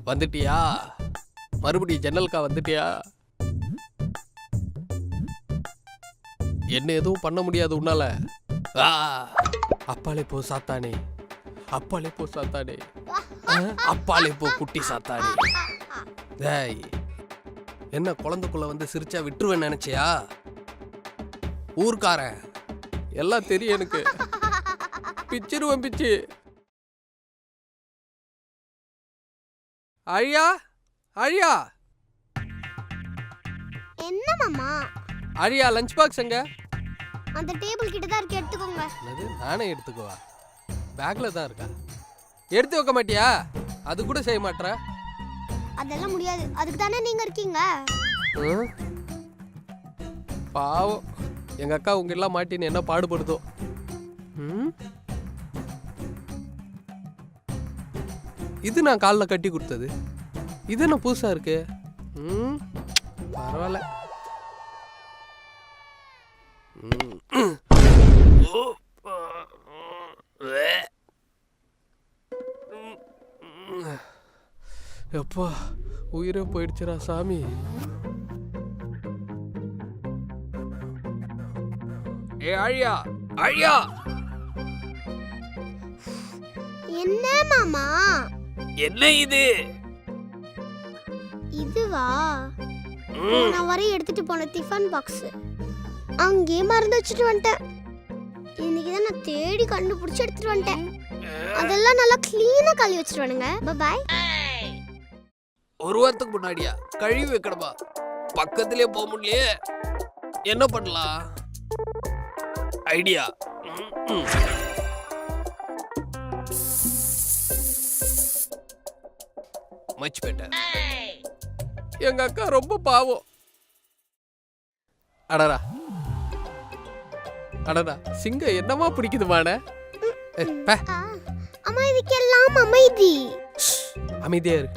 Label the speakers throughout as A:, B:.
A: வந்துட்டியா? மறுபடியும் ஜன்னல்கா வந்துட்டியா? என்ன எதுவும் பண்ண முடியாது உன்னால. அப்பாலே போ சாத்தானே, அப்பாலே போ சாத்தானே, அப்பாலே போ குட்டி சாத்தானே. டேய், என்ன குழந்தைக்குள்ள வந்து சிரிச்சா விட்டுருவேன் நினைச்சியா? ஊர்க்காரன் எல்லாம் தெரியும் எனக்கு. பிச்சிருவேன் பிச்சு. அழியா அழியா.
B: என்ன மாமா?
A: அழியா லஞ்ச் பாக்ஸ் எங்க?
B: அந்த டேபிள் கிட்ட தான் இருக்கு, எடுத்துக்கோங்க.
A: என்னது? நானே எடுத்துக்குவா? பேக்ல தான் இருக்கா? எடுத்து வைக்க மாட்டியா? அது கூட செய்ய மாட்டற?
B: அதெல்லாம் முடியாது, அதுக்கு தானே நீங்க இருக்கீங்க.
A: பாவம், எங்க அக்கா உங்க எல்லாம் மாட்டின்னு என்ன பாடுபடுதோ. இது நான் காலில் கட்டி கொடுத்தது. இது என்ன புதுசா இருக்கு? பரவாயில்ல. எப்பா உயிரே போயிடுச்சுடா சாமி. ஏ அழியா அழியா.
B: என்ன மாமா?
A: என்ன இது?
B: இதுவா? நான் வரை எடுத்துட்டு போன டிஃபன் பாக்ஸ் அங்கே மறந்து வச்சுட்டு வந்துட்டேன். இன்னைக்கு தான் நான் தேடி கண்டுபிடிச்சு எடுத்துட்டு வந்துட்டேன். அதெல்லாம் நல்லா கிளீனா கழுவி வச்சுட்டு வானுங்க. பை.
A: ஒரு வாரத்துக்கு முன்னாடியா கழுவி வைக்கணுமா? பக்கத்திலே போக முடியலையே, என்ன பண்ணலாம்? ஐடியா. Much better. எங்க அக்கா ரொம்ப பாவம். அடடா அடடா, சிங்கம் என்னமா பிடிக்குதுமான?
B: அம்மா இதுக்கெல்லாம் அமைதி.
A: அமைதியா இருக்கு.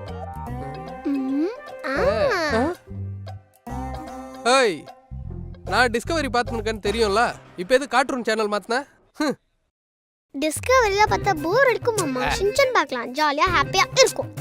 A: ஏய், நான் டிஸ்கவரி பார்த்துருக்கேன்னு தெரியும்ல, இப்போ எது கார்ட்டூன் சேனல் மாத்தின?
B: டிஸ்கவரியில பார்த்தா போர் அடிக்கும் மாமா. ஷின்சான் பார்க்கலாம், ஜாலியா ஹாப்பியா இருக்கும்.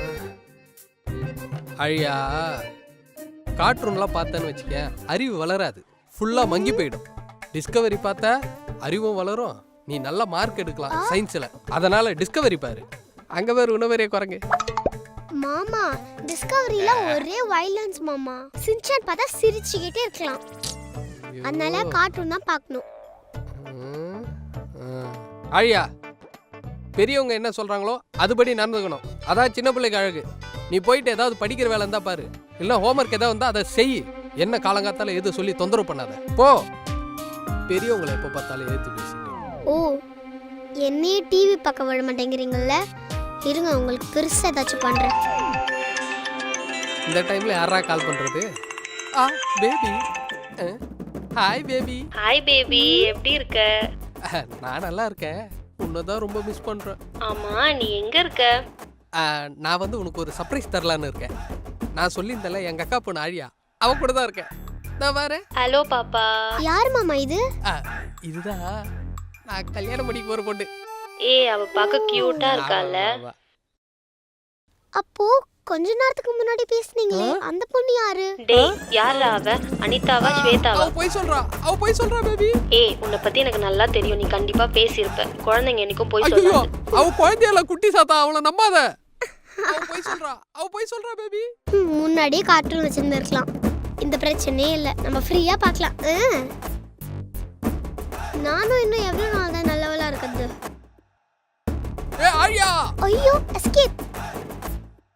A: அழியா, கார்ட்டூன்லாம் பார்த்தேன்னு வச்சுக்க அறிவு வளராது, ஃபுல்லா மங்கி போயிடும். டிஸ்கவரி பார்த்தா அறிவும் வளரும், நீ நல்ல மார்க் எடுக்கலாம் சயின்ஸ்ல. அதனால டிஸ்கவரி பாரு. அங்க வேற உணவரே குரங்கு.
B: மாமா டிஸ்கவரியில ஒரே வைலன்ஸ் மாமா. ஷின்சான் பார்த்தா சிரிச்சுக்கிட்டே இருக்கலாம். அதனால கார்ட்டூன் தான் பார்க்கணும்.
A: அழியா, பெரியவங்க என்ன சொல்றாங்களோ அதுபடி நடந்துக்கணும். அதான் சின்ன பிள்ளைக்கு அழகு. நீ போயிட்டு ஏதாவது படிக்கிற வேலை இருந்தா பாரு, இல்ல ஹோம்ஒர்க் ஏதாவது இருந்தா அதை செய். என்ன காலங்காத்தால எது சொல்லி தொந்தரவு பண்ணாத, போ. பெரியவங்களை எப்போ பார்த்தாலும் ஏத்து பேசிட்டு.
B: ஓ, என்னையே டிவி பார்க்க விட மாட்டேங்கிறீங்கல்ல? இருங்க, உங்களுக்கு பெருசா ஏதாச்சும் பண்றேன்.
A: இந்த டைம்ல யாரா கால் பண்றது? Baby. Hi baby.
C: Hi baby, எப்படி இருக்க?
A: நான் நல்லா இருக்கேன். உன்னதான் ரொம்ப மிஸ் பண்றேன்.
C: ஆமா, நீ எங்க இருக்க?
A: நான் வந்து உனக்கு ஒரு சர்ப்ரைஸ் தரலான்னு இருக்கேன். நான் சொல்லியிருந்தேன்ல, எங்க அக்கா பொண்ணு ஆழியா, அவ கூட தான் இருக்கேன். நான் வரேன்.
C: ஹலோ பாப்பா.
B: யார் மாமா இது?
A: இதுதான் நான் கல்யாணம் பண்ணிக்க போற பொண்ணு.
C: அவ பார்க்க கியூட்டா இருக்கால.
B: அப்போ கொஞ்ச நேரத்துக்கு முன்னாடி பேசுனீங்களே, அந்த பொண்ணு யாரு?
C: டேய், யாரா அவ? அனிதாவா ஸ்வேதாவா?
A: அவ போய் சொல்றா பேபி.
C: உன்னை பத்தி எனக்கு நல்லா தெரியும், நீ கண்டிப்பா பேசியிருப்ப. குழந்தைங்க என்னைக்கும் போய் சொல்லாது.
A: அவ குழந்தையில குட்டி சாத்தா, அவளை நம்பாத. அவ போய் சொல்றா பேபி.
B: முன்னாடியே கார்ட்டூன் வச்சிருந்திருக்கலாம், இந்த பிரச்சனையே இல்ல. நம்ம ஃப்ரீயா பார்க்கலாம். நானும் இன்னும் எவ்வளவு நாள் தான் நல்லவளா இருக்கிறது?
A: ஐயோ
B: எஸ்கேப்.